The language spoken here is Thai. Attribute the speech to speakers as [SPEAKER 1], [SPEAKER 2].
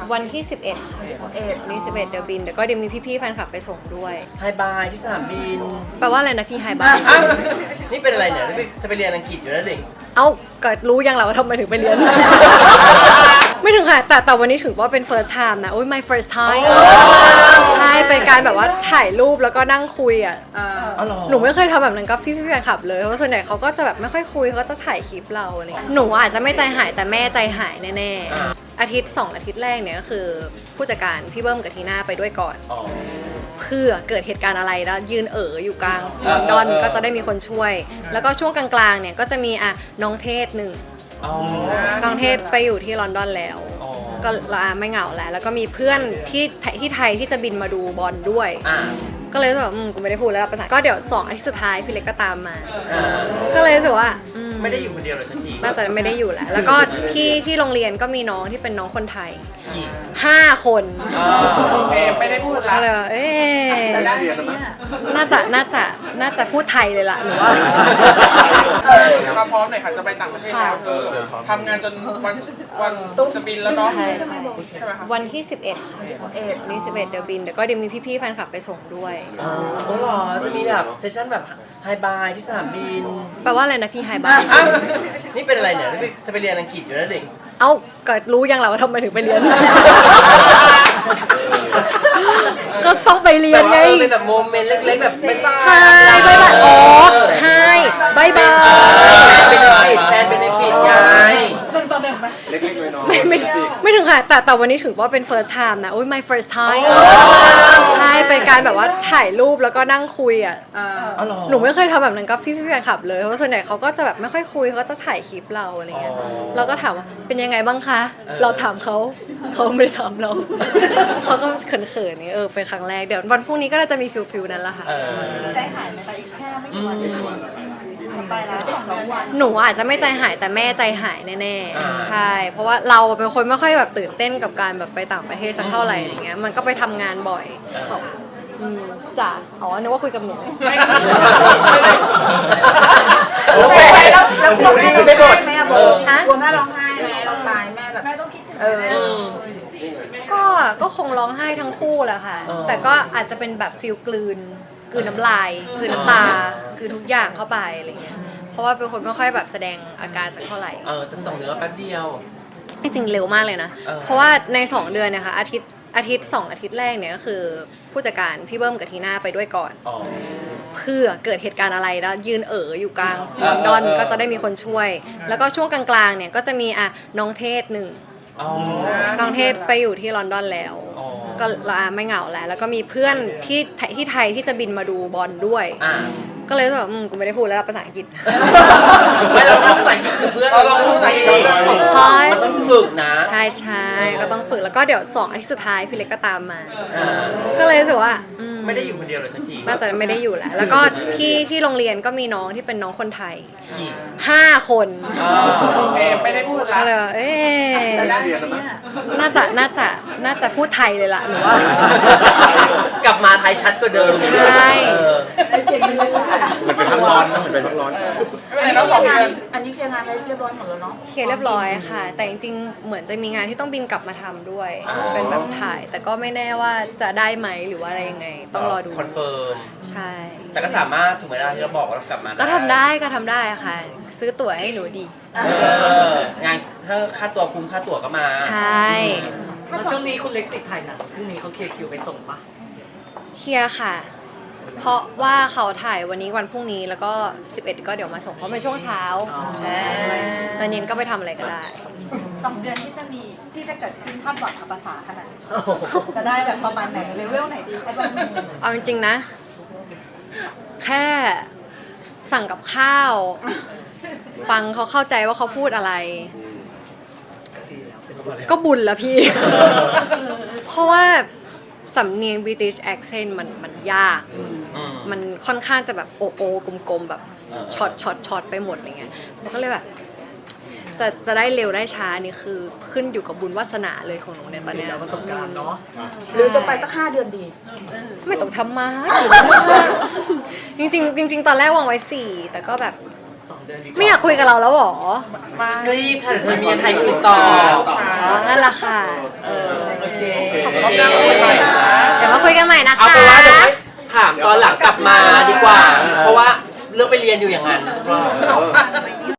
[SPEAKER 1] วันที่ 11นี่11เดี๋ยวบินเดี๋ยวก็เดี๋ยวมีพี่ๆแฟนคลับไปส่งด้วย
[SPEAKER 2] ไฮบายที่สนามบิน
[SPEAKER 1] แปลว่าอะไรนะพี่ไฮบาย
[SPEAKER 2] อ้าวนี่เป็นอะไรเนี่ยจะไปเรียนอังกฤษอยู่แล้วเด็ก
[SPEAKER 1] เอ้าก็รู้ยังเหรอว่าทำไมถึงไปเรียน ไม่ถึงค่ะแต่วันนี้ถือว่าเป็น first time นะโอ้ย my first time ใช่เป็นการแบบว่าถ่ายรูปแล้วก็นั่งคุยอ่ะ
[SPEAKER 2] อ๋อเหรอ
[SPEAKER 1] หนูไม่เคยทำแบบนั้นกับพี่ๆแฟนคลับเลยเพราะส่วนใหญ่เขาก็จะแบบไม่ค่อยคุยเขาก็จะถ่ายคลิปเราอะไรอย่างเงี้ยหนูอาจจะไม่ใจหายแต่แม่ใจหายแน่ๆอาทิตย์2 อาทิตย์แรกเนี่ยก็คือผู้จัดการพี่เบิ้มกับทีน่าไปด้วยก่อน
[SPEAKER 2] อ๋อ
[SPEAKER 1] เพื่อเกิดเหตุการณ์อะไรแล้วยืนอยู่กลางลอนดอนก็จะได้มีคนช่วย แล้วก็ช่วงกลางๆเนี่ยก็จะมีน้องเทศหนึ่ง
[SPEAKER 2] อ๋อ
[SPEAKER 1] น้องเทศไปอยู่ที่ลอนดอนแล้ว
[SPEAKER 2] อ๋อ
[SPEAKER 1] ก็ไม่เหงาแล้วก็มีเพื่อนที่ไทยที่จะบินมาดูบอลด้วย ก็เลยรู้สึกว่ากูไม่ได้พูดแล้วภาษาก็เดี๋ยว2 อาทิตย์สุดท้ายพี่เล็กก็ตามมา ก็เลยรู้สึกว่า
[SPEAKER 2] ไม่ได้อยู่คนเดียวเลยสักที
[SPEAKER 1] น่าจะไม่ได้อยู่แล้วแล้วก็ที่โรงเรียนก็มีน้องที่เป็นน้องคนไทย
[SPEAKER 2] อีก
[SPEAKER 1] 5 คน
[SPEAKER 3] โอเคไม่ได้พูดละ
[SPEAKER 1] ก็เลยว่าน่าจะพูดไทยเลยล่ะหนูว่า
[SPEAKER 3] มาพร้อมหน่อยค่ะจะไปต่างประเทศแล้วทำงานจนวันจะบินแล้วเนาะ
[SPEAKER 1] ใช่
[SPEAKER 3] ใช่ไหมคะ
[SPEAKER 1] วันที่ 11นี่11เดี๋ยวบินเดี๋ยวก็เดี๋ยวมีพี่ๆแฟนคลับไปส่งด้วย
[SPEAKER 2] อ๋อเหรอจะมีแบบเซสชั่นแบบไฮบายที่สนามบิน
[SPEAKER 1] แปลว่าอะไรนะพี่ไฮบาย
[SPEAKER 2] อ้าวนี่เป็นอะไรเนี่ยจะไปเรียนอังกฤษอยู่แล้วเด็ก
[SPEAKER 1] เอ้าก็รู้ยังเหรอว่าทำไมถึงไปเรียน ก็ต้องไปเรียนไง
[SPEAKER 2] เป็นแบบโมเมนต์เล็กๆแบบบ๊ายบาย
[SPEAKER 1] ไฮบายบายอ๋อไฮบายบาย
[SPEAKER 2] แฟนเบเนฟิตไง
[SPEAKER 4] เล็กๆน้อย
[SPEAKER 1] ไม่ถึงค่ะแต่วันนี้ถือว่าเป็น first time นะโอ้ย my first time ใช่เป็นการแบบว่าถ่ายรูปแล้วก็นั่งคุยอ่ะ
[SPEAKER 2] อ๋อเหรอ
[SPEAKER 1] หนูไม่เคยทำแบบนั้นกับพี่ๆแฟนคลับเลยเพราะส่วนใหญ่เขาก็จะแบบไม่ค่อยคุยเขาก็จะถ่ายคลิปเราอะไรเงี้ยเราก็ถามว่าเป็นยังไงบ้างคะเราถามเขาไม่ได้ถามเรา เขาก็เขินๆนี่เป็นครั้งแรกเดี๋ยววันพรุ่งนี้ก็น่าจะมีฟิลนั้นแหละค่ะ
[SPEAKER 5] ใจหายไหมคะอีกแค่ไม่กี่วันจะไปแล้ว2 วัน
[SPEAKER 1] หนูอาจจะไม่ใจหายแต่แม่ใจหายแน่ๆใช่ เพราะว่าเราเป็นคนไม่ค่อยแบบตื่นเต้นกับการแบบไปต่างประเทศสักเท่าไหร่อะไรเงี้ยมันก็ไปทำงานบ่อยเขาจ้ะอ๋อนึกว่าคุยกับหนู
[SPEAKER 2] แล้วแม่แล้วนี่คือได้บท
[SPEAKER 1] ฮะ
[SPEAKER 6] กลัวแม่ร้องไห้ไหมเราตายแม่แบบแม่ต้องคิดถึงแม่
[SPEAKER 1] ก็คงร้องไห้ทั้งคู่แหละค่ะ แต่ก็อาจจะเป็นแบบฟิลกลืนน้ำลายกลืนน้ำตาคือทุกอย่างเข้าไปอะไรเงี้ยเพราะว่าเป็นคนไม่ค่อยแบบแสดงอาการสักเท่าไหร่
[SPEAKER 2] แต่2 เดือนแป๊บเดียว
[SPEAKER 1] จริงๆเร็วมากเลยนะ เพราะว่าใน2 เดือนเนี่ยค่ะอาทิตย์2 อาทิตย์แรกเนี่ยก็คือผู้จัดการพี่เบิ้มกับทีน่าไปด้วยก่อน
[SPEAKER 2] อ๋อ
[SPEAKER 1] เพื่อเกิดเหตุการณ์อะไรแล้วยืนอยู่กลางลอนดอนก็จะได้มีคนช่วย แล้วก็ช่วงกลางๆเนี่ยก็จะมีน้องเทศหนึ่ง
[SPEAKER 2] อ๋อ
[SPEAKER 1] น้องเทศไปอยู่ที่ลอนดอนแล้ว
[SPEAKER 2] อ๋อ
[SPEAKER 1] ก็ไม่เหงาแล้วก็มีเพื่อนที่ไทยที่จะบินมาดูบอลด้วย ก็เลยรู้สึกว่ากูไม่ได้พูดแล้วภาษาอังกฤษ
[SPEAKER 2] ไม่เราพูดภาษาอังกฤษคือเพื่อนเราพูดภาษาอังกฤษ
[SPEAKER 1] ของพาย
[SPEAKER 2] มันต้องฝึกนะ
[SPEAKER 1] ใช่ก็ต้องฝึกแล้วก็เดี๋ยว2 อาทิตย์สุดท้ายพี่เล็กก็ตามมา ก็เลยรู้สึกว่า
[SPEAKER 2] ไม่ได้อยู่คนเดียวเลยสักที
[SPEAKER 1] น่าจะไม่ได้อยู่แล้วแล้วก็ที่โรงเรียนก็มีน้องที่เป็นน้องคนไทย
[SPEAKER 2] อีก
[SPEAKER 1] 5 คน
[SPEAKER 3] โอเคไม่ได้พูดละ
[SPEAKER 1] ก็เลยว่าน่าจะพูดไทยเลยล่ะหนูว่า
[SPEAKER 2] กลับมาไทยชัดกว่าเดิม
[SPEAKER 1] ใช่
[SPEAKER 4] ๆมันเป็นทั้งร้อนนะมันเป็นทั้งร้อน
[SPEAKER 3] ไม่เป็นไรเนาะ2 เดือน
[SPEAKER 6] อันนี้เคลียร์งานไปเรียบร้อยหมดแล้วเนาะ
[SPEAKER 1] เคลียร์เรียบร้อยค่ะ แต่จริงๆเหมือนจะมีงานที่ต้องบินกลับมาทำด้วย เป็นแบบถ่าย แต่ก็ไม่แน่ว่าจะได้ไหมหรือว่าอะไรยังไง ต้องรอดู
[SPEAKER 2] คอนเฟิร์ม
[SPEAKER 1] ใช่
[SPEAKER 2] แต่ก็สามารถถูกไหมล่ะที่เราบอกว่าเรากลับมา
[SPEAKER 1] ก็ทำได้ค่ะ ซื้อตั๋วให้หนูดี
[SPEAKER 2] งานถ้าค่าตัวคุ้มค่าตั๋วก็มา
[SPEAKER 1] ใช่
[SPEAKER 7] แล้วช่วงนี้คุณเล็กติดถ่ายหนังพรุ่งนี้เขาเคลียร์คิวไปส่งปะ
[SPEAKER 1] เคลียร์ค่ะ เพราะว่าเขาถ่ายวันนี้วันพรุ่งนี้แล้วก็ 11 ก็เดี๋ยวมาส่งเพราะเป็นช่วงเช้าใช่ตอนเย็นก็ไปทำอะไรก็ได้
[SPEAKER 5] 2 เดือนที่จะเกิดขึ้นคาดหวังกับภาษาขนาดไหนจะได้แบบประมาณไหนเลเวลไหนดีไอ้บ้าง
[SPEAKER 1] เอาจริงๆนะ แค่สั่งกับข้าว ฟังเขาเข้าใจว่าเขาพูดอะไร ก็บุญแล้วพี่ เพราะว่าสำเนียง British accent มันยาก มันค่อนข้างจะแบบโอกลมๆ แบบช็อตไปหมดอะไรเงี้ยมันก็เลยแบบ จะได้เร็วได้ช้านี่คือขึ้นอยู่กับบุญวาสนาเลยของหนูในตอนเนี้ย
[SPEAKER 7] ประสบการณ์เนาะ
[SPEAKER 6] หรือจะไปสัก5 เดือนดี
[SPEAKER 1] ไม่ต้องทำมาจริงๆตอนแรกวางไว้ 4 แต่ก็แบบ
[SPEAKER 7] 2 เดือนดี
[SPEAKER 1] ไม่อยากคุยกับเราแล้วหรอ
[SPEAKER 2] รีบค่ะเดี๋ยวเธอมีงานไทยอื่นต่อ
[SPEAKER 1] นั่นแหละค่ะ
[SPEAKER 2] โอเค
[SPEAKER 1] เดี๋ยวมาคุยกันใหม่นะ
[SPEAKER 2] เอา
[SPEAKER 1] คะ
[SPEAKER 2] เป็นว่าเดี๋ยวให้ถามตอนหลังกลับมาดีกว่า เพราะว่าเลือกไปเรียนอยู่อย่างนั้น